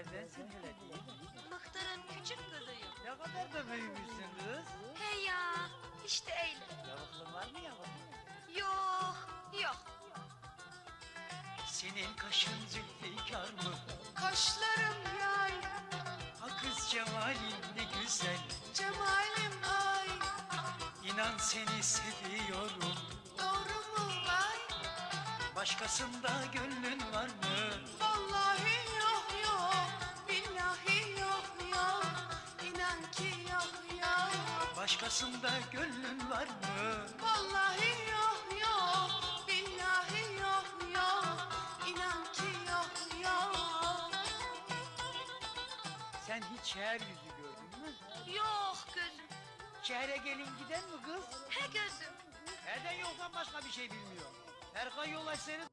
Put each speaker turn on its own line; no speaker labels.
Neredensin hele diye.
Muhtarın küçük kızıyım.
Ne kadar da büyümüşsün kız.
He ya, işte öyle.
Yavuklun var mı yavuklun?
Yok, yok.
Senin kaşın zülfikar mı?
Kaşlarım yay,
Ha kız cemalin ne güzel.
cemalim ay.
İnan seni seviyorum.
Doğru mu vay?
Başkasında gönlün var mı?
Vallahi yok yok, billahi yok yok. İnan ki yok yok.
Başkasında gönlün var mı?
Vallahi yok yok, billahi yok yok. İnan ki yok yok.
Sen hiç şehir yüzü gördün mü?
Yok gözüm.
Şehre gelin giden mi kız?
He gözüm.
Nereden yoktan başka bir şey bilmiyor. Erkan yol açsaydı